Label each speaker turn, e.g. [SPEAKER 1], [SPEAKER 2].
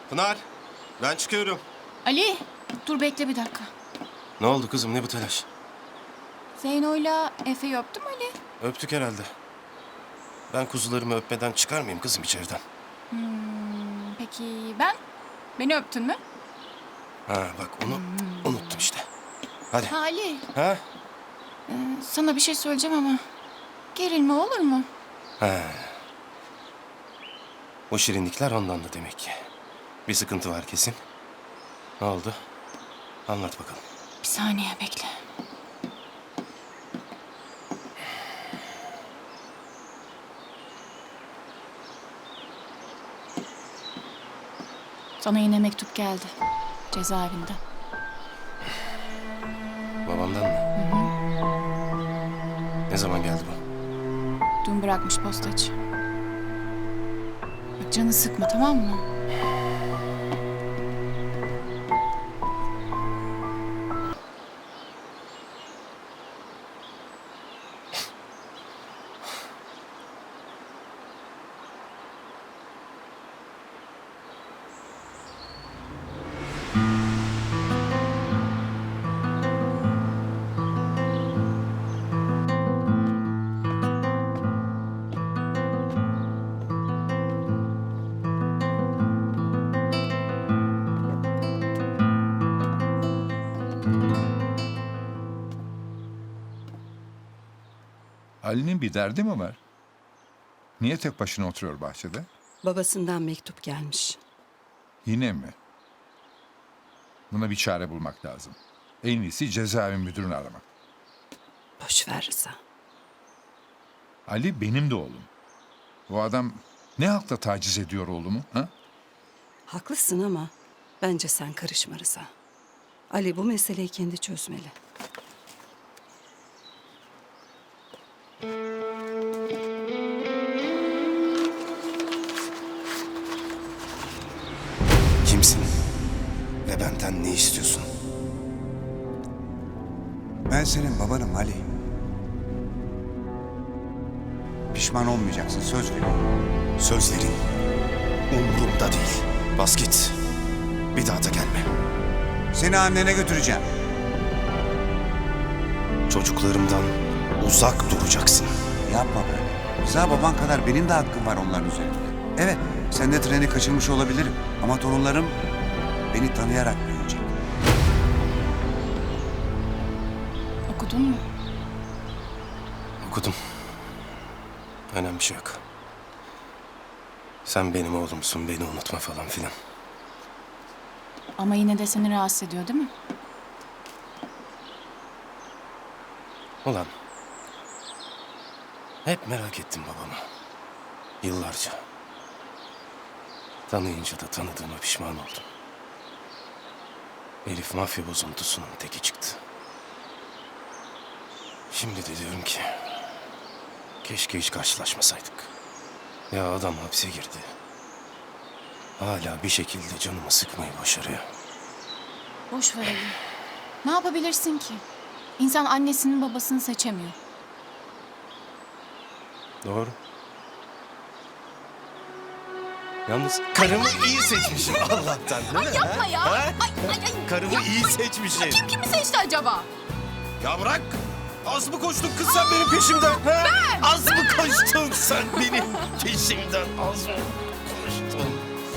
[SPEAKER 1] Pınar, ben çıkıyorum.
[SPEAKER 2] Ali, dur bekle bir dakika.
[SPEAKER 1] Ne oldu kızım, ne bu telaş?
[SPEAKER 2] Zeyno'yla Efe'yi öptüm Ali.
[SPEAKER 1] Öptük herhalde. Ben kuzularımı öpmeden çıkar mıyım kızım içeriden?
[SPEAKER 2] Peki ben? Beni öptün mü?
[SPEAKER 1] Ha bak onu unuttum işte. Hadi.
[SPEAKER 2] Ha Ali,
[SPEAKER 1] Ha?
[SPEAKER 2] sana bir şey söyleyeceğim ama gerilme olur mu?
[SPEAKER 1] Ha. O şirinlikler ondan da demek ki. Bir sıkıntı var kesin. Ne oldu? Anlat bakalım.
[SPEAKER 2] Bir saniye bekle. Sana yine mektup geldi. Cezaevinde.
[SPEAKER 1] Babamdan mı? Ne zaman geldi bu?
[SPEAKER 2] Dün bırakmış postacı. Bak canını sıkma, tamam mı?
[SPEAKER 3] Ali'nin bir derdi mi var? Niye tek başına oturuyor bahçede?
[SPEAKER 4] Babasından mektup gelmiş.
[SPEAKER 3] Yine mi? Buna bir çare bulmak lazım. En iyisi cezaevi müdürünü aramak.
[SPEAKER 4] Boş ver Rıza.
[SPEAKER 3] Ali benim de oğlum. Bu adam ne hakla taciz ediyor oğlumu? Ha?
[SPEAKER 4] Haklısın ama bence sen karışma Rıza. Ali bu meseleyi kendi çözmeli.
[SPEAKER 1] Kimsin? Ve benden ne istiyorsun?
[SPEAKER 5] Ben senin babanım Ali. Pişman olmayacaksın, söz veriyorum.
[SPEAKER 1] Sözlerin umurumda değil. Bas git. Bir daha da gelme.
[SPEAKER 5] Seni annene götüreceğim.
[SPEAKER 1] Çocuklarımdan uzak duracaksın.
[SPEAKER 5] Yapma böyle. Rıza baban kadar benim de hakkım var onların üzerinde. Evet, sen de treni kaçırmış olabilirim. Ama torunlarım beni tanıyarak büyüyecek.
[SPEAKER 2] Okudun mu?
[SPEAKER 1] Okudum. Önemli bir şey yok. Sen benim oğlumsun, beni unutma falan filan.
[SPEAKER 2] Ama yine de seni rahatsız ediyor değil mi?
[SPEAKER 1] Ulan. Hep merak ettim babamı. Yıllarca. Tanıyınca da tanıdığıma pişman oldum. Elif mafya bozuntusunun teki çıktı. Şimdi de diyorum ki... Keşke hiç karşılaşmasaydık. Ya adam hapse girdi. Hala bir şekilde canımı sıkmayı başarıyor.
[SPEAKER 2] Boş ver Ali. Ne yapabilirsin ki? İnsan annesinin babasını seçemiyor.
[SPEAKER 1] Doğru. Yalnız karımı iyi seçmişim Allah'tan değil mi?
[SPEAKER 2] Yapma ya.
[SPEAKER 1] Ha?
[SPEAKER 2] Ay.
[SPEAKER 1] Karımı iyi seçmişim.
[SPEAKER 2] Kimi seçti acaba?
[SPEAKER 1] Ya bırak! Az mı koştun kız sen benim peşimden? Ha? Az mı koştun sen benim peşimden? Az mı?